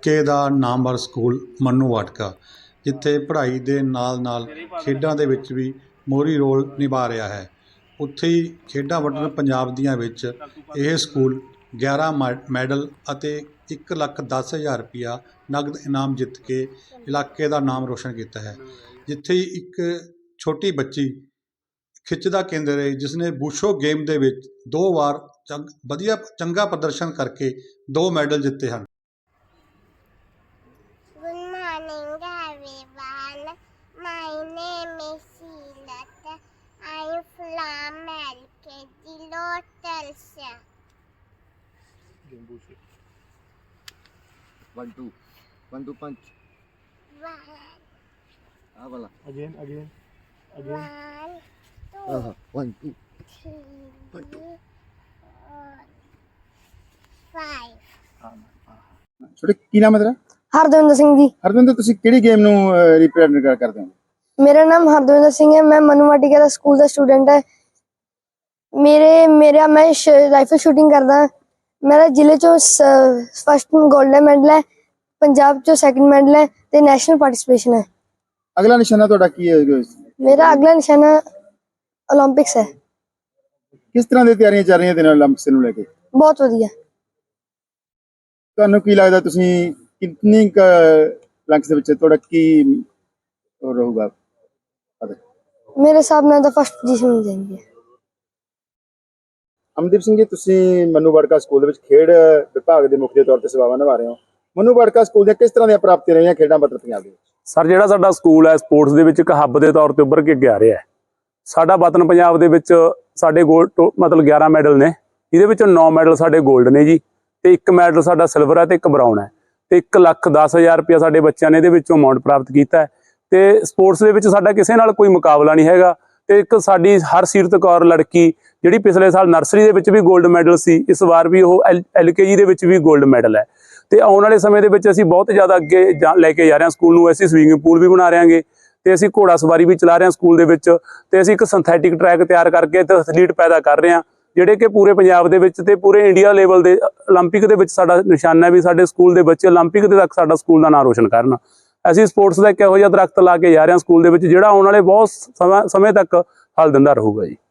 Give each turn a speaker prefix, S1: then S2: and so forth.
S1: ਇਲਾਕੇ ਦਾ ਨਾਮਵਰ ਸਕੂਲ ਮੰਨੂ ਵਾਟਕਾ, ਜਿੱਥੇ ਪੜ੍ਹਾਈ ਦੇ ਨਾਲ ਖੇਡਾਂ ਦੇ ਵਿੱਚ ਵੀ ਮੋਹਰੀ ਰੋਲ ਨਿਭਾ ਰਿਹਾ ਹੈ। ਉੱਥੇ ਹੀ ਖੇਡਾਂ ਵਟਨ ਪੰਜਾਬ ਦੀਆਂ ਵਿੱਚ ਇਹ ਸਕੂਲ 11 ਮੈਡਲ ਅਤੇ 1,10,000 ਰੁਪਇਆ ਨਗਦ ਇਨਾਮ ਜਿੱਤ ਕੇ ਇਲਾਕੇ ਦਾ ਨਾਮ ਰੋਸ਼ਨ ਕੀਤਾ ਹੈ। ਜਿੱਥੇ ਹੀ ਇੱਕ ਛੋਟੀ ਬੱਚੀ ਖਿੱਚ ਦਾ ਕੇਂਦਰ ਹੈ, ਜਿਸ ਨੇ ਬੂਸ਼ੋ ਗੇਮ ਦੇ ਵਿੱਚ 2 ਵਾਰ ਚੰਗਾ ਪ੍ਰਦਰਸ਼ਨ ਕਰਕੇ 2 ਮੈਡਲ ਜਿੱਤੇ ਹਨ।
S2: Good morning, everyone. My name is Sheila. I am from LKG Lotelsa.
S3: 1 2 punch.
S2: 1
S4: Again.
S3: 1 2
S2: 2 3 4 5
S4: ਛੋਟੇ ਕੀ ਨਾਮ ਹੈ ਤੇਰਾ?
S5: हरदविंदर सिंह जी।
S4: ਹਰਵਿੰਦਰ, ਤੁਸੀਂ ਕਿਹੜੀ ਗੇਮ ਨੂੰ ਰਿਪਰੈਜ਼ੈਂਟ ਕਰਦੇ ਹੋ?
S5: मेरा नाम हरदविंदर सिंह है। मैं मनु वाटिका का स्कूल का स्टूडेंट है। मैं राइफल शूटिंग करदा। मेरा जिले चो फर्स्ट गोल्डन मैडल है, पंजाब चो सैकंड मैडल है ते नेशनल पार्टिसिपेशन है।
S4: ਅਗਲਾ ਨਿਸ਼ਾਨਾ ਤੁਹਾਡਾ ਕੀ ਹੈ?
S5: मेरा अगला निशाना ओलंपिक्स है।
S4: ਕਿਸ ਤਰ੍ਹਾਂ ਦੀ ਤਿਆਰੀਆਂ ਚੱਲ ਰਹੀਆਂ ਤੇਰੇ 올림픽ਸ ਨੂੰ ਲੈ ਕੇ?
S5: बहुत वधिया।
S4: ਤੁਹਾਨੂੰ ਕੀ ਲੱਗਦਾ ਤੁਸੀਂ ਕਿੰਨੀ 올림픽ਸ ਦੇ ਵਿੱਚ ਤੁਹਾਡਾ ਕੀ ਰਹੂਗਾ?
S5: मेरे हिसाब नाल तो फर्स्ट पोजीशन मिल जाएगी।
S4: ਅਮਨਦੀਪ ਸਿੰਘ ਜੀ, ਤੁਸੀਂ ਮੰਨੂ ਵਾਟਕਾ ਸਕੂਲ ਦੇ ਵਿੱਚ ਖੇਡ ਵਿਭਾਗ ਦੇ ਮੁਖੀ ਦੇ ਤੌਰ ਤੇ ਸੇਵਾਵਾਂ ਨਿਭਾ ਰਹੇ ਹੋ। ਮੰਨੂ ਵਾਟਕਾ ਸਕੂਲ ਦੀਆਂ ਕਿਸ ਤਰ੍ਹਾਂ ਦੀਆਂ ਪ੍ਰਾਪਤੀਆਂ ਰਹੀਆਂ ਖੇਡਾਂ ਬਦਲ ਪੰਜਾਬ ਦੇ ਵਿੱਚ?
S6: ਸਰ, ਜਿਹੜਾ ਸਾਡਾ ਸਕੂਲ ਹੈ ਸਪੋਰਟਸ ਦੇ ਵਿੱਚ ਇੱਕ ਹੱਬ ਦੇ ਤੌਰ ਤੇ ਉੱਭਰ ਕੇ ਅੱਗੇ ਆ ਰਿਹਾ ਹੈ। ਸਾਡਾ ਵਤਨ ਪੰਜਾਬ ਦੇ ਵਿੱਚ ਸਾਡੇ ਮਤਲਬ 11 ਮੈਡਲ ਨੇ, ਇਹਦੇ ਵਿੱਚੋਂ 9 ਮੈਡਲ ਸਾਡੇ 골ਡ ਨੇ ਜੀ, ਤੇ 1 ਮੈਡਲ ਸਾਡਾ ਸਿਲਵਰ ਹੈ ਤੇ 1 ਬਰਾਊਨ ਹੈ, ਤੇ 1,10,000 ਰੁਪਇਆ ਸਾਡੇ ਬੱਚਿਆਂ ਨੇ ਇਹਦੇ ਵਿੱਚੋਂ ਅਮਾਊਂਟ ਪ੍ਰਾਪਤ ਕੀਤਾ ਹੈ। ਤੇ ਸਪੋਰਟਸ ਦੇ ਵਿੱਚ ਸਾਡਾ ਕਿਸੇ ਨਾਲ ਕੋਈ ਮੁਕਾਬਲਾ ਨਹੀਂ ਹੈਗਾ। ਤੇ ਇੱਕ ਸਾਡੀ ਹਰਸੀਰਤ ਕੌਰ ਲੜਕੀ, ਜਿਹੜੀ ਪਿਛਲੇ ਸਾਲ ਨਰਸਰੀ ਦੇ ਵਿੱਚ ਵੀ 골ਡ ਮੈਡਲ ਸੀ, ਇਸ ਵਾਰ ਵੀ ਉਹ LKG ਦੇ ਵਿੱਚ ਵੀ 골ਡ ਮੈਡਲ ਹੈ। ਤੇ ਆਉਣ ਵਾਲੇ ਸਮੇਂ ਦੇ ਵਿੱਚ ਅਸੀਂ ਬਹੁਤ ਜ਼ਿਆਦਾ ਅੱਗੇ ਲੈ ਕੇ ਜਾ ਰਹੇ ਹਾਂ ਸਕੂਲ ਨੂੰ। ਅਸੀਂ ਸਵਿਮਿੰਗ ਪੂਲ ਵੀ ਬਣਾ ਰਹੇ ਹਾਂਗੇ, ਤੇ ਅਸੀਂ ਘੋੜਾ ਸਵਾਰੀ ਵੀ ਚਲਾ ਰਹੇ ਹਾਂ ਸਕੂਲ ਦੇ ਵਿੱਚ, ਤੇ ਅਸੀਂ ਇੱਕ ਸਿੰਥੈਟਿਕ ਟਰੈਕ ਤਿਆਰ ਕਰਕੇ ਤੇ ਐਥਲੀਟ ਪੈਦਾ ਕਰ ਰਹੇ ਹਾਂ, ਜਿਹੜੇ ਕਿ ਪੂਰੇ ਪੰਜਾਬ ਦੇ ਵਿੱਚ ਤੇ ਪੂਰੇ ਇੰਡੀਆ ਲੈਵਲ ਦੇ 올림픽 ਦੇ ਵਿੱਚ ਸਾਡਾ ਨਿਸ਼ਾਨਾ ਹੈ ਵੀ ਸਾਡੇ ਸਕੂਲ ਦੇ ਬੱਚੇ 올림픽 ਦੇ ਤੱਕ ਸਾਡਾ ਸਕੂਲ ਦਾ ਨਾਂ ਰੋਸ਼ਨ ਕਰਨ। ਅਸੀਂ ਸਪੋਰਟਸ ਦਾ ਇੱਕ ਇਹੋ ਜਿਹਾ ਦਰਖਤ ਲਾ ਕੇ ਜਾ ਰਹੇ ਹਾਂ ਸਕੂਲ ਦੇ ਵਿੱਚ, ਜਿਹੜਾ ਆਉਣ ਵਾਲੇ ਬਹੁਤ ਸਮੇਂ ਤੱਕ ਫਲ ਦਿੰਦਾ ਰਹੂਗਾ ਜੀ।